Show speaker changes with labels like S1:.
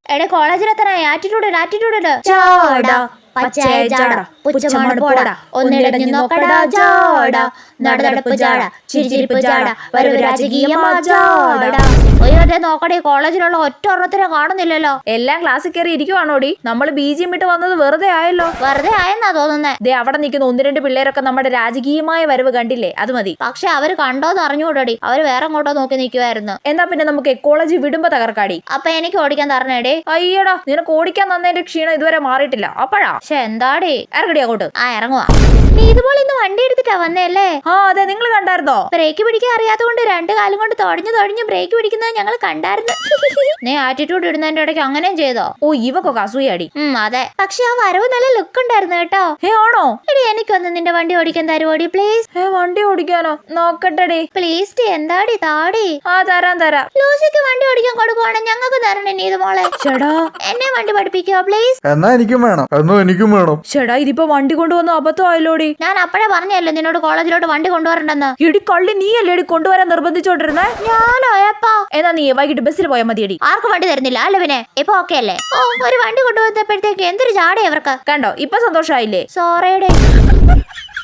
S1: എടെ കോളേജിലെത്തനായി ആറ്റിറ്റ്യൂഡ് ചാടാ പച്ചയായ ജാട പുച്ഛമാണ് പോടാ ഒന്നിടഞ്ഞു നോക്കടാ ജാട നടനടപ്പ് ജാട ചിരിച്ചിരിപ്പ് ജാട വരവ് രാജകീയമാ ജാട. ഒയ്യോട്ടെ നോക്കടേ കോളേജിലുള്ള ഒറ്റ ഒരെണ്ണത്തിനെ കാണുന്നില്ലല്ലോ.
S2: എല്ലാം ക്ലാസ്സിൽ കയറി ഇരിക്കുവാണോടി? നമ്മൾ ബീജിയം വിട്ട് വന്നത് വെറുതെ ആയല്ലോ.
S1: വെറുതെ ആയെന്നാ തോന്നുന്നേ.
S2: ദേ അവിടെ നിൽക്കുന്ന 1-2 പിള്ളേരൊക്കെ നമ്മുടെ രാജകീയമായ വരവ് കണ്ടില്ലേ? അത് മതി.
S1: പക്ഷെ അവര് കണ്ടോന്ന് അറിഞ്ഞുകൂടടി, അവര് വേറെ അങ്ങോട്ടോ നോക്കി നിൽക്കുവായിരുന്നു.
S2: എന്നാ പിന്നെ നമുക്ക് എക്കോളജി വിടുമ്പോ തകർക്കാടി.
S1: അപ്പൊ എനിക്ക് ഓടിക്കാൻ തരണേടേ.
S2: അയ്യടാ നിനക്ക് ഓടിക്കാൻ തന്നതിന്റെ ക്ഷീണം ഇതുവരെ മാറിയിട്ടില്ല. അപ്പഴാ
S1: പക്ഷെ എന്താടേ
S2: ഇറങ്ങടി അങ്ങോട്ട്.
S1: ആ ഇറങ്ങുവാ. നീ ഇതുപോലെ ഇന്ന് വണ്ടി എടുത്തിട്ടാ വന്നേല്ലേ?
S2: ആ അതെ, നിങ്ങൾ കണ്ടായിരുന്നോ?
S1: ബ്രേക്ക് പിടിക്കാൻ അറിയാത്തതുകൊണ്ട് 2 കാലും കൊണ്ട് തൊടഞ്ഞു ബ്രേക്ക് പിടിക്കുന്നത് ഞങ്ങൾ കണ്ടായിരുന്നു. നീ ആറ്റിറ്റ്യൂഡ് ഇടുന്നതിന്റെ ഇടയ്ക്ക് അങ്ങനെയും ചെയ്തോ?
S2: ഓ ഇവക്കൊക്കെ അസൂയാടി.
S1: അതെ, പക്ഷെ ആ വരവ് നല്ല ലുക്ക് ഉണ്ടായിരുന്നു കേട്ടോ.
S2: ആണോ?
S1: എടി എനിക്കൊന്ന് നിന്റെ വണ്ടി ഓടിക്കാൻ തരുവോടി പ്ലീസ്?
S2: വണ്ടി ഓടിക്കാനോ? നോക്കട്ടെടി.
S1: പ്ലീസ് ടി, എന്താടി താടി?
S2: ആ തരാം.
S1: ലൂസിക്ക് വണ്ടി ഓടിക്കാൻ കൊടുക്കുവാണെങ്കിൽ ഞങ്ങൾക്ക് തരണേ നീത് മോളെ.
S2: ചേടാ
S1: എന്നെ വണ്ടി പഠിപ്പിക്കോ പ്ലീസ്?
S3: എന്നാ എനിക്കും വേണം.
S2: ചേടാ ഇതിപ്പോ വണ്ടി കൊണ്ടുവന്ന അബദ്ധമായല്ലോടി.
S1: ഞാൻ അപ്പഴേ പറഞ്ഞല്ലോ നിന്നോട് കോളേജിലോട്ട് വണ്ടി കൊണ്ടുവരണ്ടെന്ന്.
S2: എടി കള്ളി, നീ അല്ലേടി കൊണ്ടുവരാൻ നിർബന്ധിച്ചോണ്ടിരുന്നേ?
S1: ഞാനോ എപ്പാ?
S2: എന്നാ നീ വൈകിട്ട് ബസ്സിൽ പോയാൽ മതിയടി.
S1: ആർക്കും വണ്ടി തരുന്നില്ല അല്ലേ പിന്നെ? ഇപ്പൊ ഓക്കെ അല്ലേ? ഓ ഒരു വണ്ടി കൊണ്ടുവന്നപ്പോഴത്തേക്ക് എന്തൊരു ചാടേ അവർക്ക്.
S2: കണ്ടോ ഇപ്പൊ സന്തോഷായില്ലേ?
S1: സോറിയുടെ